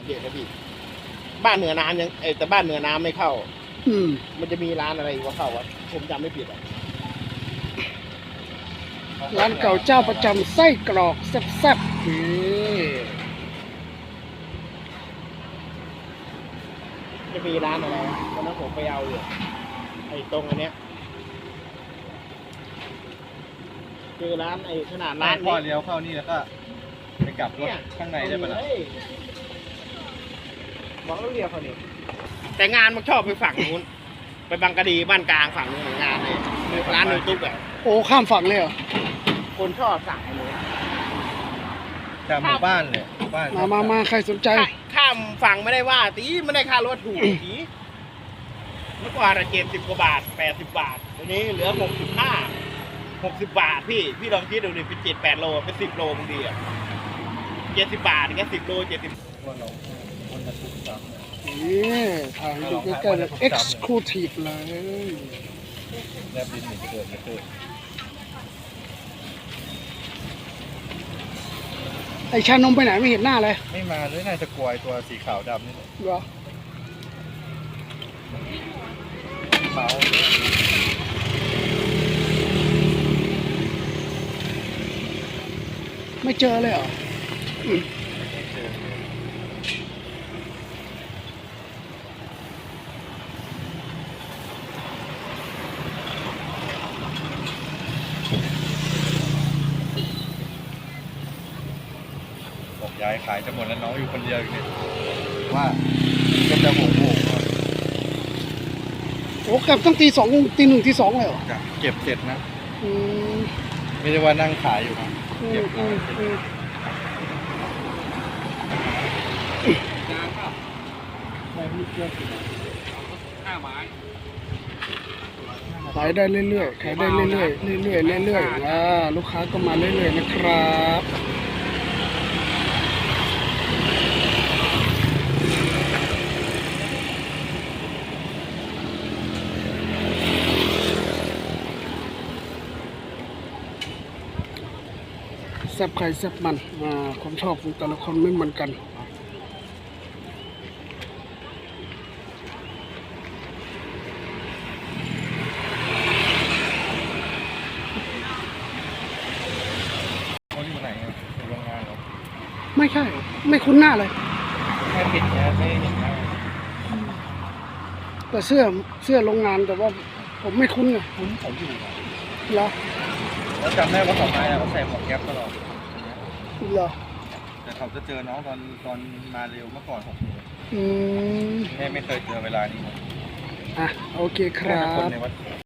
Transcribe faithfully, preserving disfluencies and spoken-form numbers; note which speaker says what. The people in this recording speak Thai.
Speaker 1: เยอะนะพี่บ้านเหนือน้ำยังไอแต่บ้านเหนือน้ำไม่เข้า
Speaker 2: อืม
Speaker 1: มันจะมีร้านอะไรว่าเข้าวะผมจำไม่ผิดอ่ะ
Speaker 2: ร้านเก่าเจ้าประจำไส้กรอกแซ่บๆนี่
Speaker 1: จะมีร้านอะไรวะวันนั้นผมไปเอาอยู่ไอ้ตรงอันเนี้ยคือร้านไอ้ขนาดร้า
Speaker 3: ร้าน นพ่อ
Speaker 1: นี้
Speaker 3: เลี้ยวเข้านี่แล้วก็ไปกลับรถข้างในได้ปะล่ะ
Speaker 1: บอกแล้วเรียกเขานี่แต่งานมันชอบไปฝั่งนู้นไปบางกะดีบ้านกลางฝั่งนู้นงานเลยร้านนูตุ๊กอ่ะ
Speaker 2: โอ้ข้ามฝั่งเลยเหรอ
Speaker 1: คนชอบสั่งเลย
Speaker 3: จากหมู่บ้านเลยหมู่บ้าน
Speaker 2: มามามาใครสนใจ
Speaker 1: ข้ามฝั่งไม่ได้ว่าตีไม่ได้ค่ารถถูกตีเมื่อก่อนเจ็ดสิบกว่าบาทแปดสิบบาทตอนนี้เหลือหกสิบห้าหกสิบบาทพี่พี่ลองคิดดูดิเป็นเจ็ดแปดโลเป็นสิบโลบางทีอ่ะเจ็ดสิบบาทแค่สิบโลเจ็ดสิบ
Speaker 3: คนเราคนมาทุกข์ซ้ำ
Speaker 2: นี่ทางดูใกล้ๆเลย exclusive เลย
Speaker 3: แลบลิ้นหนีจะเกิดไม่เกิด
Speaker 2: ไอชานมไปไหนไม่เห็นหน้าเลย
Speaker 3: ไม่มาเลยน่าจะกลวยตัวสีขาวดำนี่แหละ
Speaker 2: เหรอ
Speaker 3: เมา
Speaker 2: ไม่เจอเลยเหรออืม
Speaker 3: เจอบอกย้ายขายจะหมดแล้วน้องอยู่คนเดียวอยู่เนี่ยว่าก็จะโหงโหง
Speaker 2: โอ้กลับตั้งตีสองตีหนึ่งตีสองเลยเหรอ
Speaker 3: จะเก็บเสร็จนะ
Speaker 2: อืม
Speaker 3: ไม่ได้ว่านั่งขายอยู่นะ
Speaker 2: อื
Speaker 3: เก็
Speaker 2: ม
Speaker 3: บ
Speaker 2: อื
Speaker 3: มาม เสร็จ
Speaker 2: อืม
Speaker 1: ห้าไม้
Speaker 2: ขายได้เรื่อยๆขายได้เรื่อยๆเรื่อยๆเรื่อยๆอ่าลูกค้าก็มาเรื่อยๆนะครับแซ่บใครแซ่บมันอ่าความชอบของแต่ละคนไม่เหมือนกัน
Speaker 3: เขาอยู่ไหนอะอยู่โรงงานเหรอ
Speaker 2: ไม่ใช่ ไม่คุ้นหน้าเลย
Speaker 3: แค่ปิดแค่ไม่เห็นหน้า
Speaker 2: แต่เสื้อเสื้อโรงงานแต่ว่าผมไม่คุ้นไง
Speaker 3: คุ้นเขาอยู่อะ
Speaker 2: เหรอ
Speaker 3: แล้วจำได้ว่าเขามาแล้วเขาใส่หมวกแก๊ปตลอด
Speaker 2: เหรอ
Speaker 3: แต่เขาจะเจอน้องตอนตอนมาเร็วเมื่อก่อนหกโมง
Speaker 2: อืม
Speaker 3: แม่ไม่เคยเจอเวลานี้
Speaker 2: อ่ะโอเคค
Speaker 3: แค่
Speaker 2: รั
Speaker 3: เป็นคน
Speaker 2: บ
Speaker 3: ในวัด